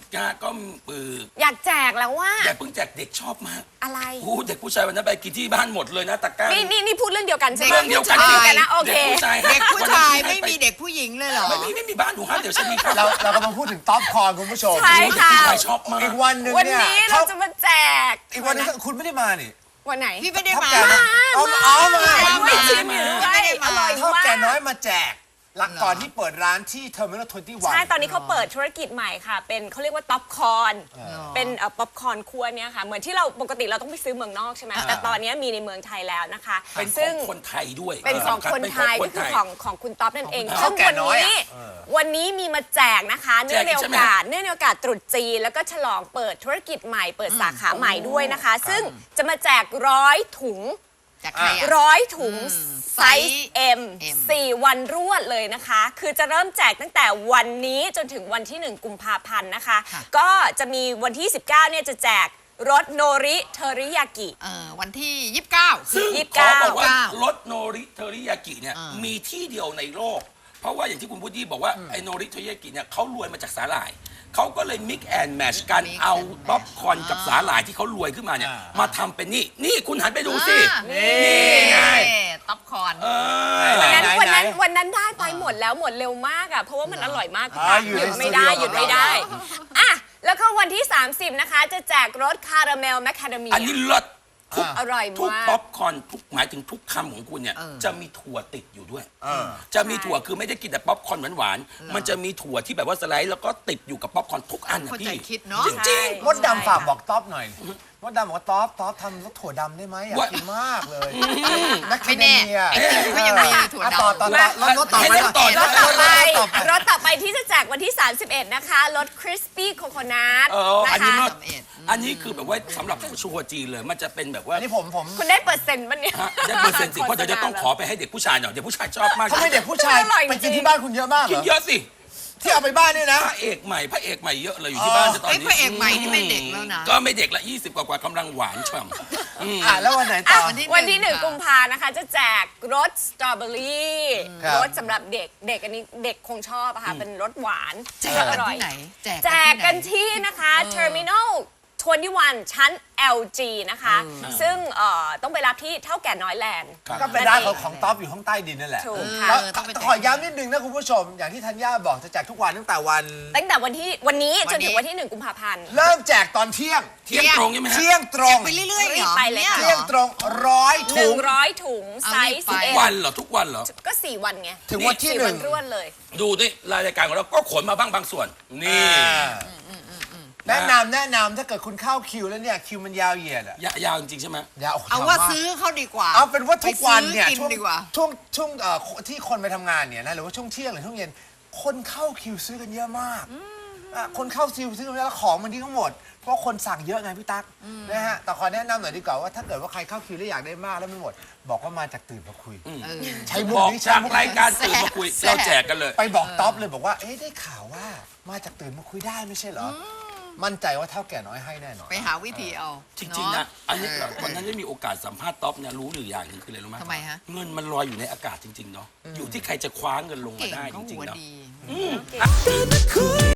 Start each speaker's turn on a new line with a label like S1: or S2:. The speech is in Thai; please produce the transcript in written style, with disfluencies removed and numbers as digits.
S1: กาก็
S2: อยากแจกแล้วว่า
S1: อย่าเพิ่งแจกเด็กชอบมาก
S2: อะไร
S1: เด็กผู้ชายวันนั้นไปกินที่บ้านหมดเลยนะตะกร้า
S2: นี่พูดเรื่องเดียวกันใช่ไหม
S1: เรื่องเดียวกัน
S2: นะโอเค
S1: เด็กผู้ชาย
S3: ไม่มีเด็กผู้หญิงเลยเหรอ
S1: ไม่มีบ้านหนูห้ามเดี๋ยวฉันมี
S4: เรากำลังพูดถึงต๊อปคอร์นคุณผู้ชม
S2: ใช่ค่ะ
S1: ชอบมาก
S4: อีกวันหนึ่ง
S2: วัน
S4: เนี่ย
S2: นี้เราจะมาแจก
S4: อีกวันนึงคุณไม่ได้มานี่
S2: วันไหน
S3: พี่ไม่ได้มา
S2: ไม่ชิมอยู่ด้วยอร่อยมาก
S4: เท่าแก่น้อยมาแจกหลักก่อนที่เปิดร้านที่เทอร์มินอล21
S2: ใช่ตอนนี้เขาเปิดธุรกิจใหม่ค่ะเป็นเขาเรียกว่าป๊อปคอร์นเป็นป๊อปคอร์นคั่วเนี่ยค่ะเหมือนที่เราปกติเราต้องไปซื้อเมืองนอกใช่ไหมแต่ตอนนี้มีในเมืองไทยแล้วนะคะ
S1: เป็นของคนไทยด้วย
S2: เป็นของคนไทยก็คือของคุณต๊อปนั่นเองซึ่งวันนี้มีมาแจกนะคะเนื่องในโอกาสตรุษจีนแล้วก็ฉลองเปิดธุรกิจใหม่เปิดสาขาใหม่ด้วยนะคะซึ่งจะมาแจก100 ถุง100 ถุงไซส์ M 4 วันรวดเลยนะคะคือจะเริ่มแจกตั้งแต่วันนี้จนถึงวันที่1 กุมภาพันธ์นะคะก็จะมีวันที่19เนี่ยจะแจกรสโนริเทอริยากิ
S3: วันที่29
S1: ซึ่งขอบอกว่ารสโนริเทอริยากิเนี่ยมีที่เดียวในโลกเพราะว่าอย่างที่คุณพุทธีบอกว่าไอโนริเทอริยากิเนี่ยเขารวยมาจากสาหร่ายเขาก็เลยมิกแอนด์แมชกันเอาป๊อปคอร์นกับสาหร่ายที่เขารวยขึ้นมาเนี่ยมาทำเป็นนี่คุณหันไปดูสินี่ไง
S3: ป๊อปคอร์น
S2: วันนั้นได้ไปหมดแล้วหมดเร็วมากอ่ะเพราะว่ามันอร่อยมากหยุดไม่ได้อ่ะแล้วก็วันที่30นะคะจะแจกรสคาราเมลแมคคาเดเมีย
S1: อันนี้เลิศ
S2: อร่อยมาก
S1: ทุกป๊อปคอร์นหมายถึงทุกคำของคุณเนี่ยจะมีถั่วติดอยู่ด้วยจะมีถั่วคือไม่ได้กินแต่ป๊อปคอร์นหวานๆมันจะมีถั่วที่แบบว่าสไลด์แล้วก็ติดอยู่กับป๊อปคอร์นทุกอันนะพี่จริง
S4: มดดำฝากบอกต๊อปหน่อยมดดำบอกว่าต๊อปทำรสถั่วดำได้ไหมอยากกินมากเลย
S3: ไม่แน่ก็ยังมีถั่วดำ
S4: รสต่
S2: อไปที่จะแจกวันที่31นะคะรสคริสปี้โคโคนัท
S1: นะคะอันนี้คือแบบว่าสำหรับชัวจีนเลยมันจะเป็นแบบว่า
S4: นี่ผม
S2: คุณได้เปอร์เซ็นต์มั้ยเนี่ย
S1: ได้เปอร์เซ็นต์สิเพราะเดี๋ยวจะต้องขอไปให้เด็กผู้ชายหน่อยเด็กผู้ชายชอบมาก
S4: เขาไม่เด็กผู้ชายไปกินที่บ้านคุณเยอะมาก
S1: กินเยอะสิ
S4: ที่เอาไปบ้านนี่นะ
S1: พระเอกใหม่เยอะเลยอยู่ที่บ้านตอนนี้
S3: พระเอกใหม่นี่ไม่เด็กแล้วนะ
S1: ก็ไม่เด็กละ20 กว่ากำลังหวานฉ่
S4: ำแล้ววันไหนต่อ
S2: วันที่1 กุมภานะคะจะแจกรสสตรอเบอรี่รสสำหรับเด็กอันนี้เด็กคงชอบอะค่ะเป็นรสหวาน
S3: อร่อย
S2: แจกกันที่นะคะ Terminal 21 ชั้น LG นะคะซึ่งต้องไปรับที่เท่าแก่น้อยแลนด์
S4: ก็เป็นร้านของต๊อปอยู่ข้างใต้ดินนั่นแหละแล้วขอย้ำนิดนึงนะคุณผู้ชมอย่างที่ธัญญาบอกจะแจกทุกวันตั้งแต่วัน
S2: นี้จนถึงวันที่1 กุมภาพันธ์
S4: เริ่มแจกตอนเที่ยง
S1: ตรงใช่ไหม
S4: เที่ยงตรง
S3: ไปเรื่อยๆ
S2: ไปเลย
S4: เที่ยงตรง100 ถุง
S2: 100 ถุงไซส์
S1: ทุกวันเหรอทุกวันเหรอ
S2: ก็4 วันไง
S4: ถึงวันที่1
S2: รวดเลย
S1: ดูนี่รายการของเราก็ขนมาบางส่วนนี่
S4: แนะนำถ้าเกิดคุณเข้าคิวแล้วเนี่ยคิวมันยาวเหยียดอะ
S1: ยาวจริงใช่ไหม
S4: ยาว
S3: เอาว่าซื้อเขาดีกว่า
S4: เอาเป็นว่าทุกวันเนี่ยช่วงที่คนไปทำงานเนี่ยนะหรือว่าช่วงเที่ยงหรือช่วงเย็นคนเข้าคิวซื้อกันเยอะมากคนเข้าคิวซื้อกันแล้วของมันที่ทั้งหมดเพราะคนสั่งเยอะไงพี่ตั๊กนะฮะแต่ขอแนะนำหน่อยดีกว่าว่าถ้าเกิดว่าใครเข้าคิวแล้วอยากได้มากแล้วไม่หมดบอกว่ามาจากตื่นมาคุยใช้มุกนี้
S1: จากรายการตื่นมาคุยเราแจกกันเลย
S4: ไปบอกต๊อปเลยบอกว่าได้ข่าวว่ามาจากตื่นมาคุยได้ไม่ใช่เหรอมั่นใจว่าเท่าแก่น้อยให้แน่นอน
S3: ไปหาวิธีเอา
S1: จริงๆนะอันนี้วันนั้นได้มีโอกาสสัมภาษณ์ต๊อปเนี่ยรู้หรืออย่างหนึ่งคืออะไรรู้ไหม
S3: ทำไมฮะ
S1: เงินมันลอยอยู่ในอากาศจริงๆเนาะอยู่ที่ใครจะคว้าเงินลงมาได้จริงๆเนาะ